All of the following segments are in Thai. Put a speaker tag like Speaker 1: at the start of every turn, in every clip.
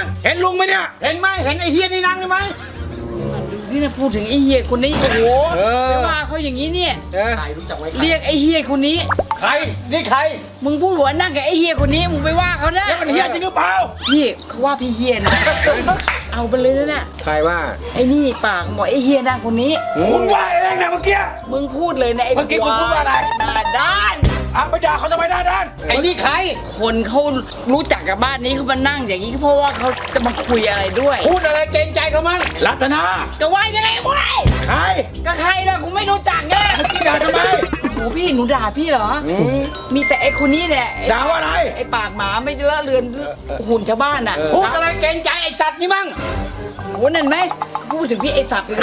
Speaker 1: เห็นลุงไหมเนี่ยเห็นไหมเห็นไอ้เฮียนี่นั่งไหม
Speaker 2: ดูที่นะพูดถึงไอ้เฮียคนนี้โอ้โหไม่ว่าเขาอย่างนี้เนี่ย
Speaker 1: ใครรู้จักไว้
Speaker 2: เรียกไอ้เฮียคนนี้
Speaker 1: ใครนี่ใคร
Speaker 2: มึงพูดหัวนั่งกับไอ้เฮียคนนี้มึงไปว่าเขานะ
Speaker 1: แล้วมันเฮียจริงหรือเปล่า
Speaker 2: พี่เขาว่าพี่เฮียนะเอาไปเลยนะ
Speaker 3: ใครว่า
Speaker 2: ไอ้นี่ปากหมอไอ้เฮียนั่งคนนี้
Speaker 1: คุณว่าเองนะเมื่อกี้
Speaker 2: มึงพูดเลยนะไอ้
Speaker 1: เมื่อกี้คุณพูดว่าอะไร
Speaker 2: หน้าด้าน
Speaker 1: ไปด่าเขาทำไมหน้าด้านไอ้นี่ใคร
Speaker 2: คนเขารู้จักกับบ้านนี้เขามานั่งอย่างนี้เพราะว่าเขาจะมาคุยอะไรด้วย
Speaker 1: พูดอะไรเกรงใจเขามั้งรัตนา
Speaker 2: ก็ว่ายังไงวะ
Speaker 1: ใคร
Speaker 2: ก็ใครล่ะกูไม่รู้จักไง
Speaker 1: พี่ด่าทำไม
Speaker 2: โอ้พี่หนูด่าพี่เหรอมีแต่ไอ้คนนี้เนี่ย
Speaker 1: ด่าว่าอะไร
Speaker 2: ไอ้ปากหมาไม่ละเรือนหุ่นชาวบ้านอ่ะ
Speaker 1: พูดอะไรเกรงใจไอ้สัตว์นี่มั้ง
Speaker 2: โอ้นั่นไหมพูดถึงพี่ไอ้สัตว์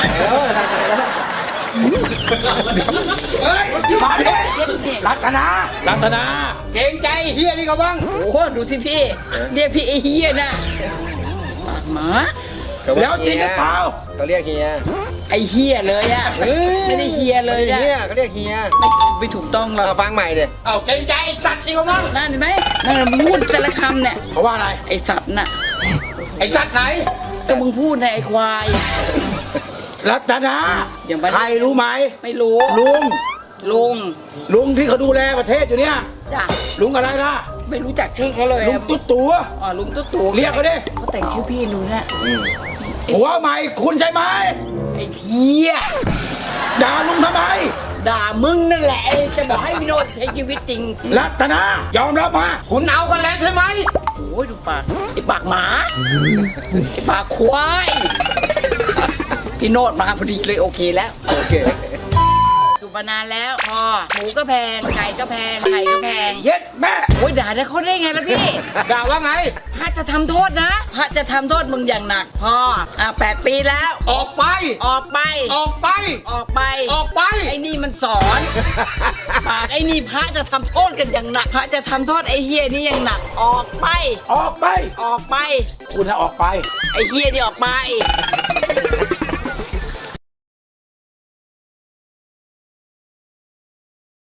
Speaker 1: เฮ้ยมาดิรัตนาเกรงใจเฮียนี่เขาบ้าง
Speaker 2: โอ้ดูสิพี่เรียกพี่ไอ้เฮียนะปากหมา
Speaker 1: แล้วจริงหรือเปล่า
Speaker 3: เขาเรียกเฮีย
Speaker 2: ไอ้เฮียเลยอะไม่ได้เฮียเลยอะ
Speaker 3: เขาเรียกเฮีย
Speaker 2: ไม่ถูกต้องหรอก
Speaker 3: ฟังใหม่เลย
Speaker 1: เกรงใจไอ้สัตว์นี่เขาบ้าง
Speaker 2: นั่นเห็นไหมนั่นมึงพูดแต่ละคำเนี่ย
Speaker 1: เขาว่าอะไร
Speaker 2: ไอ้สัตว์น่ะ
Speaker 1: ไอ้สัตว์ไหน
Speaker 2: ก็มึงพูดในไอ้ควาย
Speaker 1: รัตนาใครรู้ไหม
Speaker 2: ไม่รู้
Speaker 1: ลุงที่เขาดูแลประเทศอยู่เนี่ย
Speaker 2: จ้ะ
Speaker 1: ลุงอะไรล่ะ
Speaker 2: ไม่รู้จักชื่อเขาเลย
Speaker 1: ลุงตุ๊ดตัว
Speaker 2: ลุงตุ๊ดตัว
Speaker 1: เรียกเขาดิ
Speaker 2: เขาแต่งชื่อพี่หนูนะ
Speaker 1: หัวใหม่คุณใช่ไหม
Speaker 2: ไอ้เพี้ย
Speaker 1: ด่าลุงทำไม
Speaker 2: ด่ามึงนั่นแหละจะบอกให้พี่โนดใช้ชีวิตจริง
Speaker 1: รัตนายอมรับมาคุณเอากันแล้วใช่ไหม
Speaker 2: โอ้ยดูปากไอ้ปากหมาไอ้ปากควายพี่โนดมาพอดีเลยโอเคแล้ว
Speaker 3: โอเค
Speaker 2: อยู่มานานแล้วพอหมูก็แพงไก่ก็แพงไข่ก็แพง
Speaker 1: เย็ดแม่
Speaker 2: โอ้ยด่าได้เขาได้ไงล่ะพี่
Speaker 1: ด่าว่าไง
Speaker 2: พระจะทำโทษนะพระจะทำโทษมึงอย่างหนักพอ8 ปีแล้ว
Speaker 1: ออกไป
Speaker 2: ไอ้นี่มันสอนปากไอ้นี่พระจะทำโทษกันอย่างหนักพระจะทำโทษไอ้เฮียนี่อย่างหนักออกไป
Speaker 1: คุณนะออกไป
Speaker 2: ไอ้เฮียนี่ออกไป